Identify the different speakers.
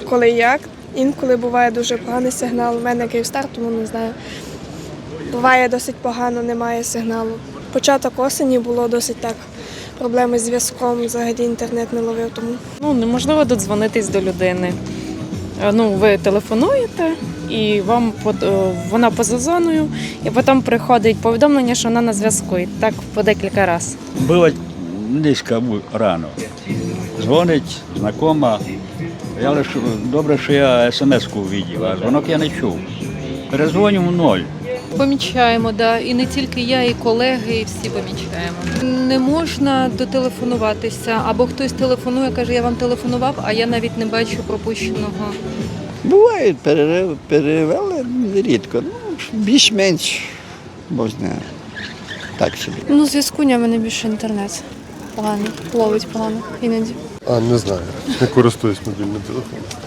Speaker 1: коли як. Інколи буває дуже поганий сигнал. У мене Київстар, тому не знаю. Буває досить погано, немає сигналу. Початок осені було досить так. Проблеми з зв'язком, взагалі інтернет не ловив тому.
Speaker 2: Неможливо додзвонитись до людини. Ви телефонуєте, і вона поза зоною, і потім приходить повідомлення, що вона на зв'язку. І так по декілька разів.
Speaker 3: Було низько рано. Дзвонить знайома. Добре, що я смс-ку побачив, а дзвонок я не чув. Перезвоню в ноль.
Speaker 4: Помічаємо, да. І не тільки я, і колеги, і всі помічаємо. Не можна дотелефонуватися, або хтось телефонує, каже, я вам телефонував, а я навіть не бачу пропущеного.
Speaker 5: Буває, перевели рідко, більш-менш, можна так собі.
Speaker 6: Зв'язку в мене більше інтернет. Погано, ловить погано іноді.
Speaker 7: Не знаю, не користуюсь мобільним телефоном.